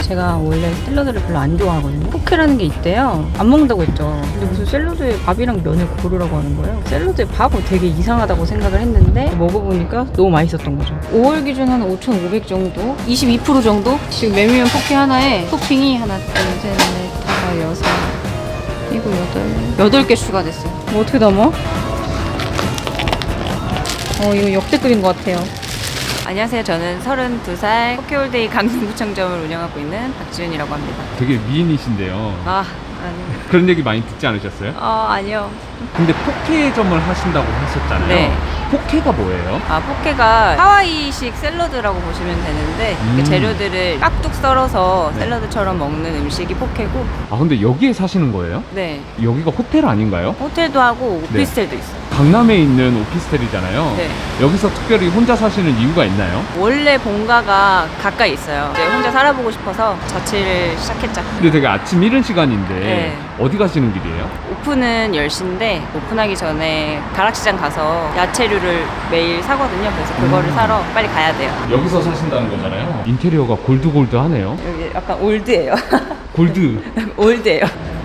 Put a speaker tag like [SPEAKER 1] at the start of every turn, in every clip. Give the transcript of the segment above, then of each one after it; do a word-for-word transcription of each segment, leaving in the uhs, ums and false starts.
[SPEAKER 1] 제가 원래 샐러드를 별로 안 좋아하거든요. 포케라는 게 있대요. 안 먹는다고 했죠. 근데 무슨 샐러드에 밥이랑 면을 고르라고 하는 거예요. 샐러드에 밥은 되게 이상하다고 생각을 했는데 먹어보니까 너무 맛있었던 거죠. 오월 기준 한 오천오백 정도? 이십이 퍼센트 정도? 지금 메밀면 포케 하나에 토핑이 하나, 둘, 셋, 넷, 다섯, 여섯, 일곱, 여덟, 여덟 개 추가됐어요. 뭐 어떻게 담아? 어, 이거 역대급인 것 같아요. 안녕하세요. 저는 서른두 살 포케홀데이 강릉구청점을 운영하고 있는 박지윤이라고 합니다.
[SPEAKER 2] 되게 미인이신데요.
[SPEAKER 1] 아, 아니요.
[SPEAKER 2] 그런 얘기 많이 듣지 않으셨어요?
[SPEAKER 1] 어, 아니요.
[SPEAKER 2] 근데 포케점을 하신다고 하셨잖아요.
[SPEAKER 1] 네.
[SPEAKER 2] 포케가 뭐예요?
[SPEAKER 1] 아, 포케가 하와이식 샐러드라고 보시면 되는데
[SPEAKER 2] 음.
[SPEAKER 1] 그 재료들을 깍둑 썰어서 샐러드처럼 먹는 음식이 포케고.
[SPEAKER 2] 아 근데 여기에 사시는 거예요?
[SPEAKER 1] 네.
[SPEAKER 2] 여기가 호텔 아닌가요?
[SPEAKER 1] 호텔도 하고 오피스텔도
[SPEAKER 2] 네.
[SPEAKER 1] 있어요.
[SPEAKER 2] 강남에 있는 오피스텔이잖아요.
[SPEAKER 1] 네.
[SPEAKER 2] 여기서 특별히 혼자 사시는 이유가 있나요?
[SPEAKER 1] 원래 본가가 가까이 있어요. 이제 혼자 살아보고 싶어서 자취를 시작했죠.
[SPEAKER 2] 근데 되게 아침 이른 시간인데
[SPEAKER 1] 네.
[SPEAKER 2] 어디 가시는 길이에요?
[SPEAKER 1] 오픈은 열 시인데 오픈하기 전에 가락시장 가서 야채류를 매일 사거든요. 그래서 그거를
[SPEAKER 2] 음.
[SPEAKER 1] 사러 빨리 가야 돼요.
[SPEAKER 2] 여기서 사신다는 거잖아요. 인테리어가 골드골드하네요.
[SPEAKER 1] 여기 약간 올드예요.
[SPEAKER 2] 골드.
[SPEAKER 1] 올드예요.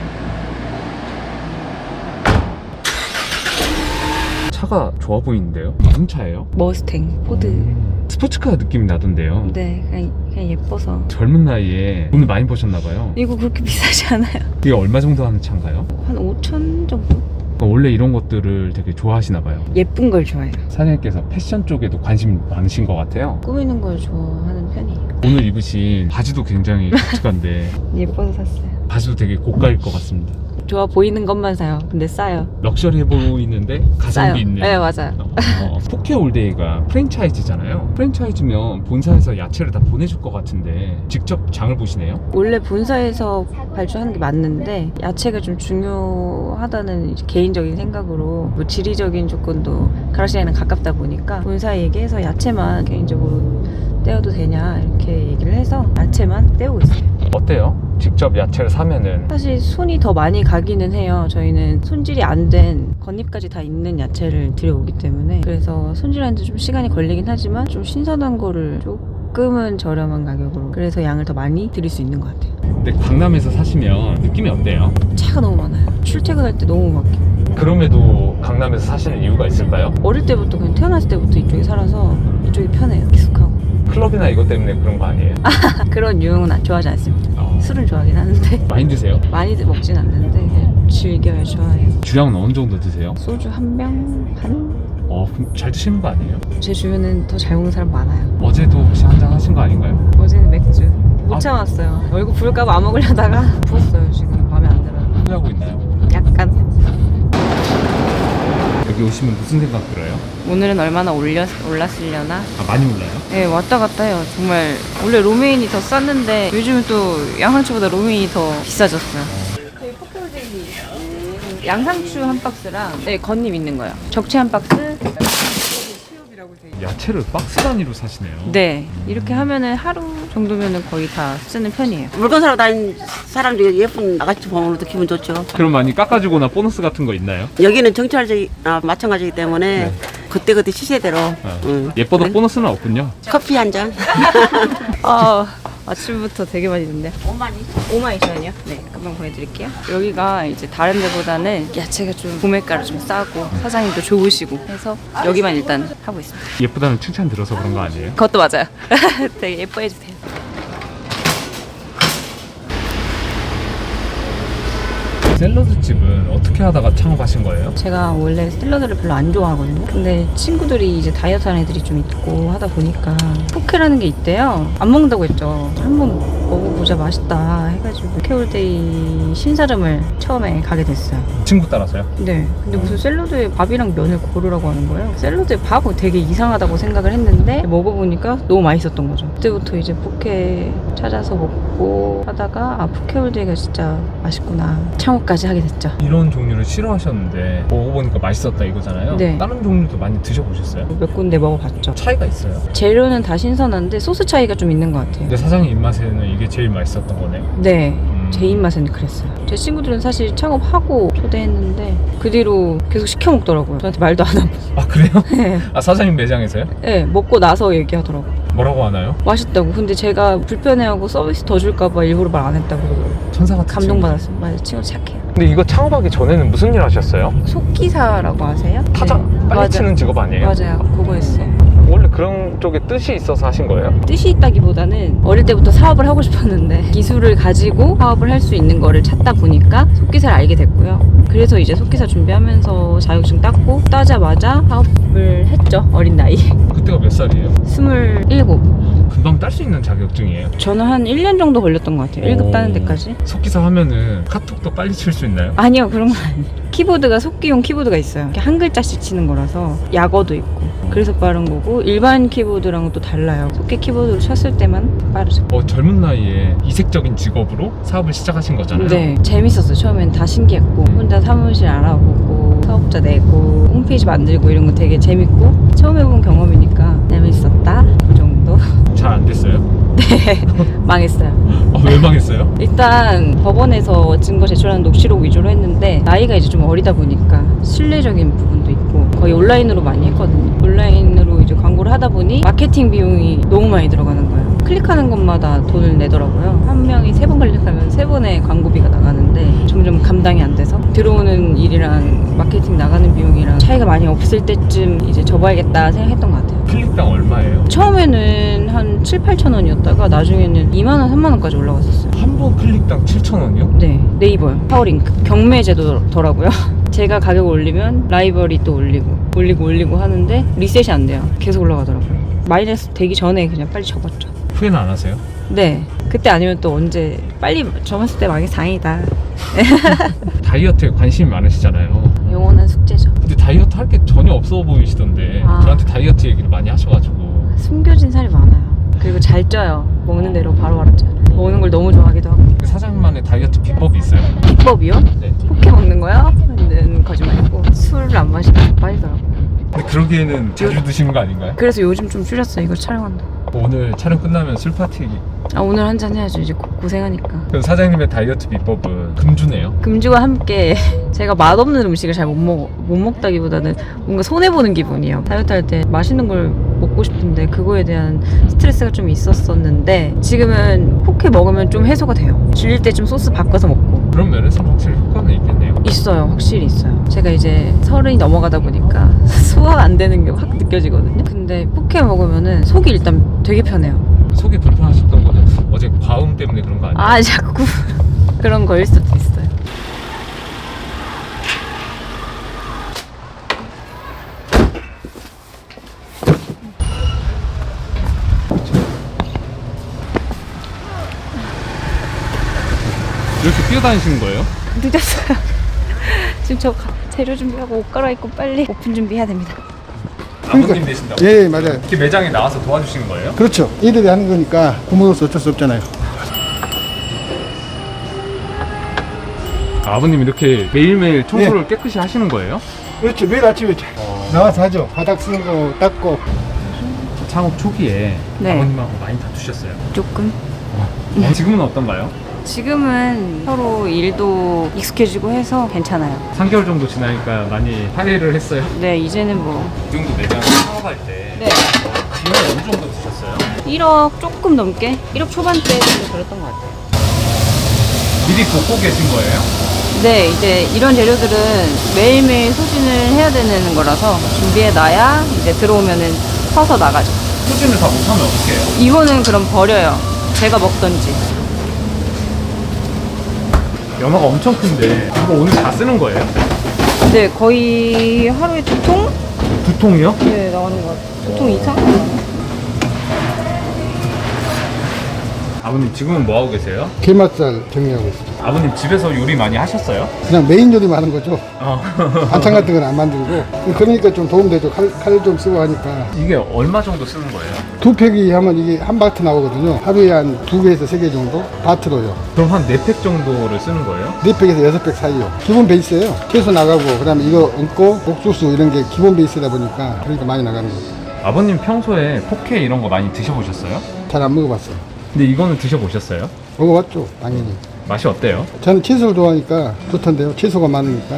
[SPEAKER 2] 차가 좋아 보이는데요? 무슨 차예요?
[SPEAKER 1] 머스탱, 포드.
[SPEAKER 2] 음, 스포츠카 느낌이 나던데요.
[SPEAKER 1] 네, 그냥, 그냥 예뻐서.
[SPEAKER 2] 젊은 나이에 돈을 많이 버셨나봐요.
[SPEAKER 1] 이거 그렇게 비싸지 않아요.
[SPEAKER 2] 이게 얼마 정도 하는 차인가요?
[SPEAKER 1] 한 오천 정도?
[SPEAKER 2] 그러니까 원래 이런 것들을 되게 좋아하시나봐요.
[SPEAKER 1] 예쁜 걸 좋아해요.
[SPEAKER 2] 사장님께서 패션 쪽에도 관심 많으신 것 같아요.
[SPEAKER 1] 꾸미는 걸 좋아하는 편이에요.
[SPEAKER 2] 오늘 입으신 바지도 굉장히 독특한데
[SPEAKER 1] 예뻐서 샀어요.
[SPEAKER 2] 바지도 되게 고가일 것 같습니다.
[SPEAKER 1] 좋아 보이는 것만 사요. 근데 싸요.
[SPEAKER 2] 럭셔리해 보이는데
[SPEAKER 1] 싸요.
[SPEAKER 2] 가성비 있는.
[SPEAKER 1] 네, 맞아요.
[SPEAKER 2] 어, 포케올데이가 프랜차이즈잖아요. 프랜차이즈면 본사에서 야채를 다 보내줄 것 같은데 직접 장을 보시네요?
[SPEAKER 1] 원래 본사에서 발주하는 게 맞는데 야채가 좀 중요하다는 이제 개인적인 생각으로 뭐 지리적인 조건도 가락시장이랑 가깝다 보니까 본사에 얘기해서 야채만 개인적으로 떼어도 되냐 이렇게 얘기를 해서 야채만 떼우고 있어요.
[SPEAKER 2] 어때요? 직접 야채를 사면은
[SPEAKER 1] 사실 손이 더 많이 가기는 해요. 저희는 손질이 안 된 겉잎까지 다 있는 야채를 들여오기 때문에 그래서 손질하는데 좀 시간이 걸리긴 하지만 좀 신선한 거를 조금은 저렴한 가격으로 그래서 양을 더 많이 드릴 수 있는 것 같아요.
[SPEAKER 2] 근데 강남에서 사시면 느낌이 어때요?
[SPEAKER 1] 차가 너무 많아요. 출퇴근할 때 너무 막혀요.
[SPEAKER 2] 그럼에도 강남에서 사시는 이유가 있을까요?
[SPEAKER 1] 어릴 때부터 그냥 태어났을 때부터 이쪽에 살아서 이쪽이 편해요. 익숙하고.
[SPEAKER 2] 클럽이나 이것 때문에 그런 거 아니에요?
[SPEAKER 1] 그런 유흥은 안- 좋아하지 않습니다.
[SPEAKER 2] 어.
[SPEAKER 1] 술은 좋아하긴 하는데
[SPEAKER 2] 많이 드세요?
[SPEAKER 1] 많이 먹진 않는데 그냥 즐겨요. 좋아해요.
[SPEAKER 2] 주량은 어느 정도 드세요?
[SPEAKER 1] 소주 한 병? 반?
[SPEAKER 2] 어, 그럼 잘 드시는 거 아니에요?
[SPEAKER 1] 제 주변엔 더 잘 먹는 사람 많아요.
[SPEAKER 2] 어제도 혹시 한잔 하신 거 아닌가요?
[SPEAKER 1] 어제는 맥주 못
[SPEAKER 2] 아.
[SPEAKER 1] 참았어요. 얼굴 부을까봐 안 먹으려다가 부었어요. 지금 마음에 안 들어요.
[SPEAKER 2] 후회하고 있나요?
[SPEAKER 1] 약간.
[SPEAKER 2] 여기 오시면 무슨 생각 들어요?
[SPEAKER 1] 오늘은 얼마나 올렸, 올랐으려나?
[SPEAKER 2] 아, 많이 올라요?
[SPEAKER 1] 네, 왔다 갔다 해요. 정말 원래 로메인이 더 쌌는데 요즘은 또 양상추보다 로메인이 더 비싸졌어요. 저희 포케홀데이 양상추 한 박스랑 네, 겉잎 있는 거요. 적채 한 박스.
[SPEAKER 2] 야채를 박스 단위로 사시네요.
[SPEAKER 1] 네, 이렇게 하면은 하루 정도면은 거의 다 쓰는 편이에요.
[SPEAKER 3] 물건 사러 다니는 사람들이 예쁜 아가씨 보면 또 기분 좋죠.
[SPEAKER 2] 그럼 많이 깎아주거나 보너스 같은 거 있나요?
[SPEAKER 3] 여기는 정찰제나 마찬가지이기 때문에
[SPEAKER 2] 네.
[SPEAKER 3] 그때그때 시세대로
[SPEAKER 2] 어.
[SPEAKER 3] 응.
[SPEAKER 2] 예뻐도
[SPEAKER 3] 그래?
[SPEAKER 2] 보너스는 없군요.
[SPEAKER 3] 커피 한 잔.
[SPEAKER 1] 아, 아침부터 되게 많이 듣네.
[SPEAKER 3] 오만이.
[SPEAKER 1] 오만 이천이요? 네, 금방 보내드릴게요. 여기가 이제 다른 데보다는 야채가 좀 구매가를 좀 싸고 사장님도 좋으시고 해서 여기만 일단 하고 있습니다.
[SPEAKER 2] 예쁘다는 칭찬 들어서 그런 거 아니에요?
[SPEAKER 1] 그것도 맞아요. 되게 예뻐해 주세요.
[SPEAKER 2] 샐러드 집은 어떻게 하다가 창업하신 거예요?
[SPEAKER 1] 제가 원래 샐러드를 별로 안 좋아하거든요. 근데 친구들이 이제 다이어트 하는 애들이 좀 있고 하다 보니까 포케라는 게 있대요. 안 먹는다고 했죠. 한번 먹어보자 맛있다 해가지고 포케홀데이 신사름을 처음에 가게 됐어요.
[SPEAKER 2] 친구 따라서요?
[SPEAKER 1] 네. 근데 무슨 샐러드에 밥이랑 면을 고르라고 하는 거예요. 샐러드에 밥은 되게 이상하다고 생각을 했는데 먹어보니까 너무 맛있었던 거죠. 그때부터 이제 포케 찾아서 먹고 하다가 아 포케홀데이가 진짜 맛있구나. 창업까지 하게 됐죠.
[SPEAKER 2] 이런 종류를 싫어하셨는데 먹어보니까 맛있었다 이거잖아요.
[SPEAKER 1] 네.
[SPEAKER 2] 다른 종류도 많이 드셔보셨어요?
[SPEAKER 1] 몇 군데 먹어봤죠.
[SPEAKER 2] 차이가 있어요.
[SPEAKER 1] 재료는 다 신선한데 소스 차이가 좀 있는 것 같아요.
[SPEAKER 2] 근데 사장님 입맛에는 이게 제일 맛있었던 거네요.
[SPEAKER 1] 네.
[SPEAKER 2] 음.
[SPEAKER 1] 제 입맛은 그랬어요. 제 친구들은 사실 창업하고 초대했는데 그 뒤로 계속 시켜 먹더라고요. 저한테 말도 안 하고.
[SPEAKER 2] 아 그래요?
[SPEAKER 1] 네.
[SPEAKER 2] 아 사장님 매장에서요?
[SPEAKER 1] 네, 먹고 나서 얘기하더라고요.
[SPEAKER 2] 뭐라고 하나요?
[SPEAKER 1] 맛있다고. 근데 제가 불편해하고 서비스 더 줄까봐 일부러 말 안 했다고 그러더라고요.
[SPEAKER 2] 천사 같은
[SPEAKER 1] 감동받았어요. 맞아요. 친구 착해요.
[SPEAKER 2] 근데 이거 창업하기 전에는 무슨 일 하셨어요?
[SPEAKER 1] 속기사라고 아세요?
[SPEAKER 2] 타자
[SPEAKER 1] 네.
[SPEAKER 2] 빨리
[SPEAKER 1] 맞아.
[SPEAKER 2] 치는 직업 아니에요?
[SPEAKER 1] 맞아요. 그거 했어요.
[SPEAKER 2] 원래 그런 쪽에 뜻이 있어서 하신 거예요?
[SPEAKER 1] 뜻이 있다기보다는 어릴 때부터 사업을 하고 싶었는데 기술을 가지고 사업을 할 수 있는 거를 찾다 보니까 속기사를 알게 됐고요. 그래서 이제 속기사 준비하면서 자격증 땄고 따자마자 사업을 했죠. 어린 나이에.
[SPEAKER 2] 그때가 몇 살이에요?
[SPEAKER 1] 스물일곱.
[SPEAKER 2] 금방 딸 수 있는 자격증이에요?
[SPEAKER 1] 저는 한 일 년 정도 걸렸던 것 같아요. 일 급 따는 데까지.
[SPEAKER 2] 속기사 하면은 카톡도 빨리 칠 수 있나요?
[SPEAKER 1] 아니요, 그런 건 아니에요. 키보드가 속기용 키보드가 있어요. 이렇게 한 글자씩 치는 거라서 약어도 있고 그래서 빠른 거고 일반 키보드랑은 또 달라요. 속기 키보드로 쳤을 때만 빠르죠.
[SPEAKER 2] 어, 젊은 나이에 이색적인 직업으로 사업을 시작하신 거잖아요.
[SPEAKER 1] 네, 재밌었어요. 처음엔 다 신기했고 혼자 사무실 알아보고 사업자 내고 홈페이지 만들고 이런 거 되게 재밌고 처음 해본 경험이니까 재밌었다 그 정도.
[SPEAKER 2] 잘 안 됐어요?
[SPEAKER 1] 네, 망했어요.
[SPEAKER 2] 어, 왜 망했어요?
[SPEAKER 1] 일단 법원에서 증거 제출하는 녹취록 위주로 했는데 나이가 이제 좀 어리다 보니까 신뢰적인 부분도 있고 거의 온라인으로 많이 했거든요. 온라인으로 이제 광고를 하다 보니 마케팅 비용이 너무 많이 들어가는 거예요. 클릭하는 것마다 돈을 내더라고요. 한 명이 세 번 클릭하면 세 번의 광고비가 나가는데 점점 감당이 안 돼서 들어오는 일이랑 마케팅 나가는 비용이랑 차이가 많이 없을 때쯤 이제 접어야겠다 생각했던 것 같아요.
[SPEAKER 2] 클릭당 얼마예요?
[SPEAKER 1] 처음에는 한 칠, 팔천 원이었다가 나중에는 이만 원, 삼만 원까지 올라갔었어요.
[SPEAKER 2] 한 번 클릭당 칠천 원이요?
[SPEAKER 1] 네, 네이버요. 파워링크. 경매 제도더라고요. 제가 가격 올리면 라이벌이 또 올리고 올리고 올리고 하는데 리셋이 안 돼요. 계속 올라가더라고요. 마이너스 되기 전에 그냥 빨리 접었죠.
[SPEAKER 2] 후회는 안 하세요?
[SPEAKER 1] 네. 그때 아니면 또 언제 빨리 접었을 때 망해서 다행이다.
[SPEAKER 2] 다이어트에 관심이 많으시잖아요.
[SPEAKER 1] 영원한 숙제죠.
[SPEAKER 2] 근데 다이어트 할 게 전혀 없어 보이시던데
[SPEAKER 1] 아.
[SPEAKER 2] 저한테 다이어트 얘기를 많이 하셔가지고
[SPEAKER 1] 숨겨진 살이 많아요. 그리고 잘 쪄요. 먹는 대로 바로 바로 쪄요. 먹는 걸 너무 좋아하기도 하고.
[SPEAKER 2] 사장님만의 다이어트 비법이 있어요?
[SPEAKER 1] 비법이요?
[SPEAKER 2] 네.
[SPEAKER 1] 포켓 먹는 거요? 는 거짓말이고 술을 안 마시면 빠지더라고요.
[SPEAKER 2] 근데 그러기에는 자주 드시는 거 아닌가요?
[SPEAKER 1] 그래서 요즘 좀 줄였어요. 이거 촬영한다.
[SPEAKER 2] 오늘 촬영 끝나면 술 파티.
[SPEAKER 1] 아, 오늘 한잔 해야죠. 이제 고, 고생하니까.
[SPEAKER 2] 그럼 사장님의 다이어트 비법은 금주네요?
[SPEAKER 1] 금주와 함께 제가 맛없는 음식을 잘 못 먹어. 못 먹다기보다는 뭔가 손해보는 기분이에요. 다이어트 할 때 맛있는 걸 먹고 싶은데 그거에 대한 스트레스가 좀 있었었는데 지금은 포켓 먹으면 좀 해소가 돼요. 질릴 때 좀 소스 바꿔서 먹고.
[SPEAKER 2] 그런 면에서 확실히 효과는 있겠네요.
[SPEAKER 1] 있어요. 확실히 있어요. 제가 이제 서른이 넘어가다 보니까 소화가 안 되는 게 확 느껴지거든요. 근데 포켓 먹으면은 속이 일단 되게 편해요.
[SPEAKER 2] 속이 불편하셨던 거는 어제 과음 때문에 그런 거 아니에요?
[SPEAKER 1] 아, 자꾸 그런 거일 수도 있어요.
[SPEAKER 2] 이렇게 뛰어다니시는 거예요?
[SPEAKER 1] 늦었어요. 지금 저 가- 재료 준비하고 옷 갈아입고 빨리 오픈 준비해야 됩니다.
[SPEAKER 2] 아버님 되신다고?
[SPEAKER 4] 예, 맞아요.
[SPEAKER 2] 이렇게 매장에 나와서 도와주시는 거예요?
[SPEAKER 4] 그렇죠. 이들이 하는 거니까 부모로서 어쩔 수 없잖아요.
[SPEAKER 2] 아버님 이렇게 매일매일 청소를 깨끗이 하시는 거예요?
[SPEAKER 4] 그렇죠. 매일 아침에 나와서 하죠. 바닥 쓰는 거 닦고.
[SPEAKER 2] 창업 초기에
[SPEAKER 1] 네.
[SPEAKER 2] 아버님하고 많이 다투셨어요?
[SPEAKER 1] 조금.
[SPEAKER 2] 어, 지금은 어떤가요?
[SPEAKER 1] 지금은 서로 일도 익숙해지고 해서 괜찮아요.
[SPEAKER 2] 삼 개월 정도 지나니까 많이 화해를 했어요?
[SPEAKER 1] 네, 이제는 뭐
[SPEAKER 2] 이 정도 매장 창업할 때
[SPEAKER 1] 네.
[SPEAKER 2] 비용이 어느 정도 드셨어요?
[SPEAKER 1] 일억 조금 넘게? 일억 초반대 정도 들었던 것 같아요.
[SPEAKER 2] 미리 돕고 계신 거예요?
[SPEAKER 1] 네, 이제 이런 재료들은 매일매일 소진을 해야 되는 거라서 준비해놔야 이제 들어오면은 퍼서 나가죠.
[SPEAKER 2] 소진을 다 못하면 어떡해요?
[SPEAKER 1] 이거는 그럼 버려요. 제가 먹던지.
[SPEAKER 2] 연어가 엄청 큰데 이거 오늘 다 쓰는 거예요?
[SPEAKER 1] 네, 거의 하루에 두 통?
[SPEAKER 2] 두 통이요?
[SPEAKER 1] 네, 나오는 것 같아요. 두 통 이상?
[SPEAKER 2] 아버님 지금은 뭐 하고 계세요?
[SPEAKER 4] 게맛살 정리하고 있어요.
[SPEAKER 2] 아버님 집에서 요리 많이 하셨어요?
[SPEAKER 4] 그냥 메인 요리만 하는 거죠.
[SPEAKER 2] 어.
[SPEAKER 4] 반찬 같은 건 안 만들고. 그러니까 좀 도움되죠. 칼 좀 쓰고 하니까.
[SPEAKER 2] 이게 얼마 정도 쓰는 거예요?
[SPEAKER 4] 두 팩이 하면 이게 한 바트 나오거든요. 하루에 한 두 개에서 세 개 정도 바트로요.
[SPEAKER 2] 그럼 한 네 팩 정도를 쓰는 거예요?
[SPEAKER 4] 네 팩에서 여섯 팩 사이요. 기본 베이스예요. 채소 나가고 그다음에 이거 얹고 옥수수 이런 게 기본 베이스다 보니까 그러니까 많이 나가는 거죠.
[SPEAKER 2] 아버님 평소에 포케 이런 거 많이 드셔보셨어요?
[SPEAKER 4] 잘 안 먹어봤어요.
[SPEAKER 2] 근데 이거는 드셔보셨어요?
[SPEAKER 4] 먹어봤죠. 당연히.
[SPEAKER 2] 맛이 어때요?
[SPEAKER 4] 저는 채소를 좋아하니까 좋던데요. 채소가 많으니까.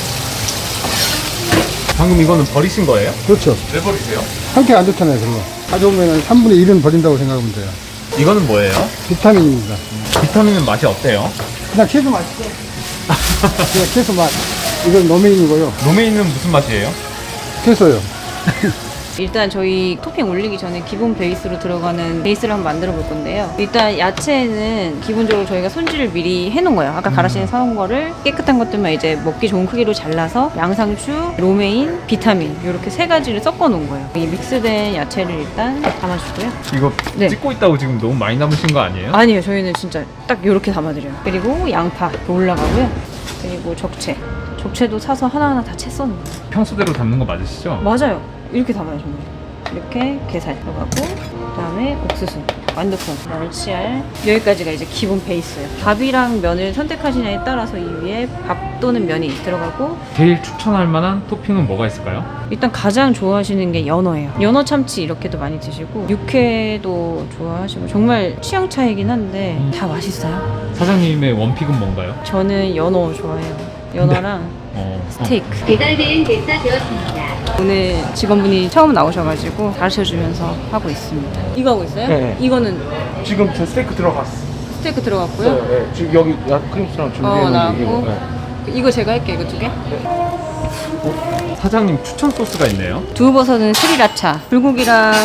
[SPEAKER 2] 방금 이거는 버리신 거예요?
[SPEAKER 4] 그렇죠.
[SPEAKER 2] 왜 버리세요?
[SPEAKER 4] 상태가 안 좋잖아요, 그런 거. 가져오면 삼분의 일은 버린다고 생각하면 돼요.
[SPEAKER 2] 이거는 뭐예요?
[SPEAKER 4] 비타민입니다.
[SPEAKER 2] 비타민은 맛이 어때요?
[SPEAKER 4] 그냥 채소 맛이죠. 그냥 채소 맛. 이건 로메인이고요.
[SPEAKER 2] 로메인은 무슨 맛이에요?
[SPEAKER 4] 채소요.
[SPEAKER 1] 일단 저희 토핑 올리기 전에 기본 베이스로 들어가는 베이스를 한번 만들어 볼 건데요. 일단 야채는 기본적으로 저희가 손질을 미리 해놓은 거예요. 아까 가라시에 사온 거를 깨끗한 것들만 이제 먹기 좋은 크기로 잘라서 양상추, 로메인, 비타민 이렇게 세 가지를 섞어 놓은 거예요. 이 믹스된 야채를 일단 담아주고요.
[SPEAKER 2] 이거
[SPEAKER 1] 네.
[SPEAKER 2] 찍고 있다고 지금 너무 많이 남으신 거 아니에요?
[SPEAKER 1] 아니에요. 저희는 진짜 딱 이렇게 담아드려요. 그리고 양파 올라가고요. 그리고 적채. 적채도 사서 하나하나 다 채 써는 거예요.
[SPEAKER 2] 평소대로 담는 거 맞으시죠?
[SPEAKER 1] 맞아요. 이렇게 담아요, 정말. 이렇게 게살 들어가고, 그 다음에 옥수수, 완두콩, 멸치알. 여기까지가 이제 기본 베이스예요. 밥이랑 면을 선택하시냐에 따라서 이 위에 밥 또는 면이 들어가고,
[SPEAKER 2] 제일 추천할 만한 토핑은 뭐가 있을까요?
[SPEAKER 1] 일단 가장 좋아하시는 게 연어예요. 연어 참치 이렇게도 많이 드시고, 육회도 좋아하시고, 정말 취향 차이긴 한데
[SPEAKER 2] 음.
[SPEAKER 1] 다 맛있어요.
[SPEAKER 2] 사장님의 원픽은 뭔가요?
[SPEAKER 1] 저는 연어 좋아해요. 연어랑
[SPEAKER 2] 어,
[SPEAKER 1] 스테이크.
[SPEAKER 5] 배달된 개사되었습니다.
[SPEAKER 1] 오늘 직원분이 처음 나오셔가지고 가르쳐주면서 하고 있습니다. 이거 하고 있어요?
[SPEAKER 6] 네.
[SPEAKER 1] 이거는
[SPEAKER 6] 지금 저 스테이크 들어갔어.
[SPEAKER 1] 스테이크 들어갔고요.
[SPEAKER 6] 네, 지금 여기 야, 크림스랑 준비해
[SPEAKER 1] 어,
[SPEAKER 6] 놓은
[SPEAKER 1] 나왔고.
[SPEAKER 6] 이거. 네.
[SPEAKER 1] 이거 제가 할게요. 이거 두 개.
[SPEAKER 2] 사장님 추천 소스가 있네요.
[SPEAKER 1] 두부버섯은 스리라차, 불고기랑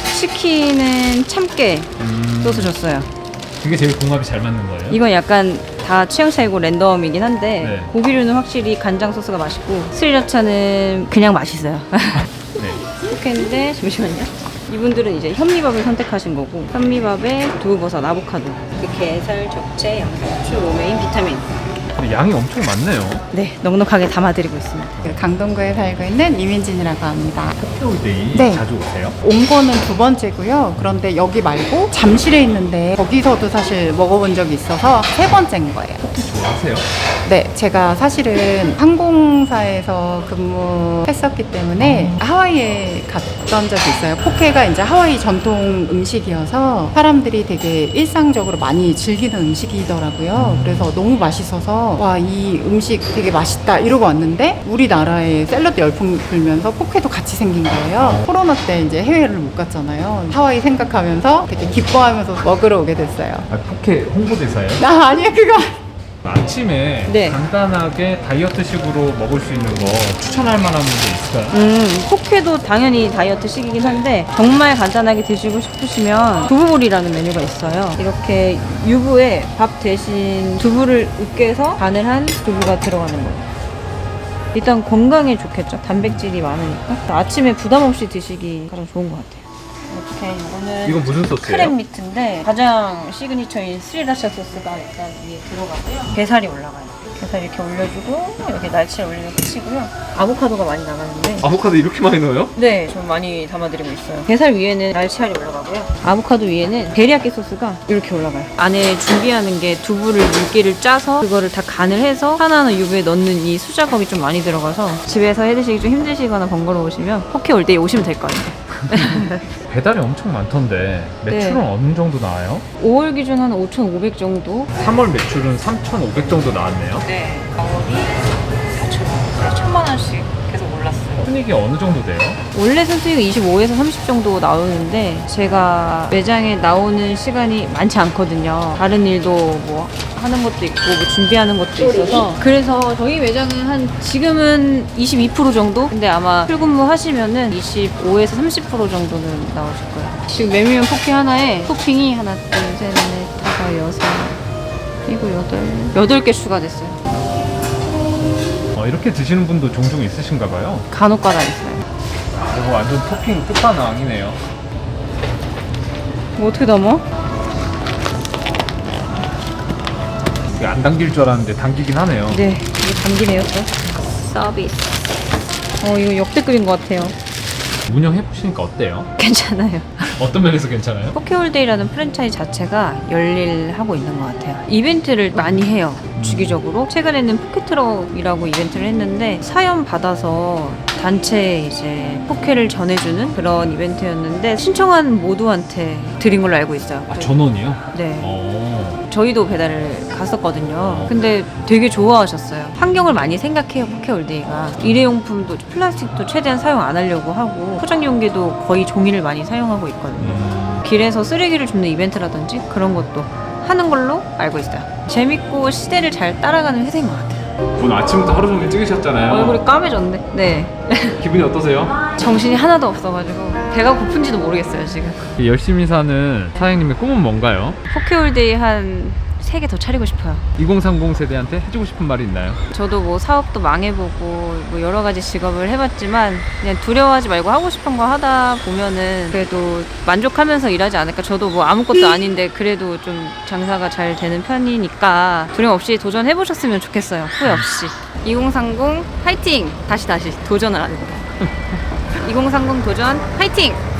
[SPEAKER 1] 치킨은 참깨
[SPEAKER 2] 음,
[SPEAKER 1] 소스 줬어요.
[SPEAKER 2] 그게 제일 궁합이 잘 맞는 거예요?
[SPEAKER 1] 이건 약간 다 취향 차이고 랜덤이긴 한데
[SPEAKER 2] 네.
[SPEAKER 1] 고기류는 확실히 간장 소스가 맛있고 스리라차는 그냥 맛있어요.
[SPEAKER 2] 네.
[SPEAKER 1] 이렇게했는데 잠시만요. 이분들은 이제 현미밥을 선택하신 거고 현미밥에 두부버섯, 아보카도, 그 게살, 적채, 양상추, 로메인, 비타민.
[SPEAKER 2] 근데 양이 엄청 많네요.
[SPEAKER 1] 네, 넉넉하게 담아드리고 있습니다.
[SPEAKER 7] 강동구에 살고 있는 이민진이라고 합니다.
[SPEAKER 2] 포켓홀데이
[SPEAKER 7] 네.
[SPEAKER 2] 자주 오세요?
[SPEAKER 7] 온 거는 두 번째고요. 그런데 여기 말고 잠실에 있는데 거기서도 사실 먹어본 적이 있어서 세 번째인 거예요.
[SPEAKER 2] 좋아하세요?
[SPEAKER 7] 네, 제가 사실은 항공사에서 근무했었기 때문에 하와이에 갔던 적이 있어요. 포케가 이제 하와이 전통 음식이어서 사람들이 되게 일상적으로 많이 즐기는 음식이더라고요. 그래서 너무 맛있어서 와, 이 음식 되게 맛있다 이러고 왔는데 우리나라에 샐러드 열풍 불면서 포케도 같이 생긴 거예요. 코로나 때 이제 해외를 못 갔잖아요. 하와이 생각하면서 되게 기뻐하면서 먹으러 오게 됐어요.
[SPEAKER 2] 아, 포켓 홍보대사예요?
[SPEAKER 7] 아, 아니에요, 그거.
[SPEAKER 2] 아침에
[SPEAKER 1] 네.
[SPEAKER 2] 간단하게 다이어트식으로 먹을 수 있는 거 추천할 만한 게 있을까요?
[SPEAKER 1] 음, 포케도 당연히 다이어트식이긴 한데 정말 간단하게 드시고 싶으시면 두부볼이라는 메뉴가 있어요. 이렇게 유부에 밥 대신 두부를 으깨서 간을 한 두부가 들어가는 거예요. 일단 건강에 좋겠죠. 단백질이 많으니까. 아침에 부담 없이 드시기 가장 좋은 것 같아요. 이렇게 이거는
[SPEAKER 2] 이건 무슨 소스예요?
[SPEAKER 1] 크랩 미트인데 가장 시그니처인 스리라차 소스가 일단 위에 들어가고요. 게살이 올라가요. 게살 이렇게 올려주고 여기 날치알 올리면 끝이고요. 아보카도가 많이 나가는데
[SPEAKER 2] 아보카도 이렇게 많이 넣어요?
[SPEAKER 1] 네, 좀 많이 담아드리고 있어요. 게살 위에는 날치알이 올라가고요. 아보카도 위에는 데리야끼 소스가 이렇게 올라가요. 안에 준비하는 게 두부를 물기를 짜서 그거를 다 간을 해서 하나하나 유부에 넣는 이 수작업이 좀 많이 들어가서 집에서 해드시기 좀 힘드시거나 번거로우시면 포케 올때 오시면 될 것 같아요.
[SPEAKER 2] 배달이 엄청 많던데 매출은
[SPEAKER 1] 네.
[SPEAKER 2] 어느 정도 나와요?
[SPEAKER 1] 오월 기준 한 오천오백 정도?
[SPEAKER 2] 삼월 매출은 삼천오백 정도 나왔네요.
[SPEAKER 1] 네, 가격이 사천만 원씩 계속 올랐어요.
[SPEAKER 2] 순이익이 어느 정도 돼요?
[SPEAKER 1] 원래 순수익이 이십오에서 삼십 정도 나오는데 제가 매장에 나오는 시간이 많지 않거든요. 다른 일도 뭐 하는 것도 있고 뭐 준비하는 것도 있어서 그래서 저희 매장은 한 지금은 이십이 퍼센트 정도? 근데 아마 출근무 하시면은 이십오에서 삼십 퍼센트 정도는 나오실 거예요. 지금 메밀면 포케 하나에 토핑이 하나, 둘, 셋, 넷, 다섯, 여섯, 일곱, 여덟, 여덟 개 추가됐어요.
[SPEAKER 2] 어, 이렇게 드시는 분도 종종 있으신가 봐요.
[SPEAKER 1] 간혹 가다 있어요.
[SPEAKER 2] 이거 완전 토핑 끝판왕이네요.
[SPEAKER 1] 뭐 어떻게 담아?
[SPEAKER 2] 이게 안 당길 줄 알았는데 당기긴 하네요.
[SPEAKER 1] 네, 이게 담기네요, 또. 서비스. 어, 이거 역대급인 것 같아요.
[SPEAKER 2] 운영해보시니까 어때요?
[SPEAKER 1] 괜찮아요.
[SPEAKER 2] 어떤 면에서 괜찮아요?
[SPEAKER 1] 포케홀데이라는 프랜차이즈 자체가 열일하고 있는 것 같아요. 이벤트를 많이 해요. 주기적으로. 최근에는 포켓트럭이라고 이벤트를 했는데 사연 받아서 단체 이제 포케를 전해주는 그런 이벤트였는데 신청한 모두한테 드린 걸로 알고 있어요.
[SPEAKER 2] 아, 전원이요?
[SPEAKER 1] 네.
[SPEAKER 2] 어.
[SPEAKER 1] 저희도 배달을 갔었거든요. 근데 되게 좋아하셨어요. 환경을 많이 생각해요, 포케올데이가. 일회용품도 플라스틱도 최대한 사용 안 하려고 하고 포장 용기도 거의 종이를 많이 사용하고 있거든요.
[SPEAKER 2] 음.
[SPEAKER 1] 길에서 쓰레기를 줍는 이벤트라든지 그런 것도 하는 걸로 알고 있어요. 재밌고 시대를 잘 따라가는 회사인 것 같아요.
[SPEAKER 2] 오늘 아침부터 하루 종일 찍으셨잖아요.
[SPEAKER 1] 얼굴이 까매졌네. 네.
[SPEAKER 2] 기분이 어떠세요?
[SPEAKER 1] 정신이 하나도 없어가지고 배가 고픈지도 모르겠어요 지금.
[SPEAKER 2] 열심히 사는 사장님의 꿈은 뭔가요?
[SPEAKER 1] 포케올데이 한 세 개 더 차리고 싶어요.
[SPEAKER 2] 이공삼공 세대한테 해주고 싶은 말이 있나요?
[SPEAKER 1] 저도 뭐 사업도 망해보고 뭐 여러 가지 직업을 해봤지만 그냥 두려워하지 말고 하고 싶은 거 하다 보면은 그래도 만족하면서 일하지 않을까. 저도 뭐 아무것도 아닌데 그래도 좀 장사가 잘 되는 편이니까 두려움 없이 도전해보셨으면 좋겠어요. 후회 없이. 이공삼공 화이팅! 다시 다시 도전을 합니다. 이공삼공 도전 화이팅!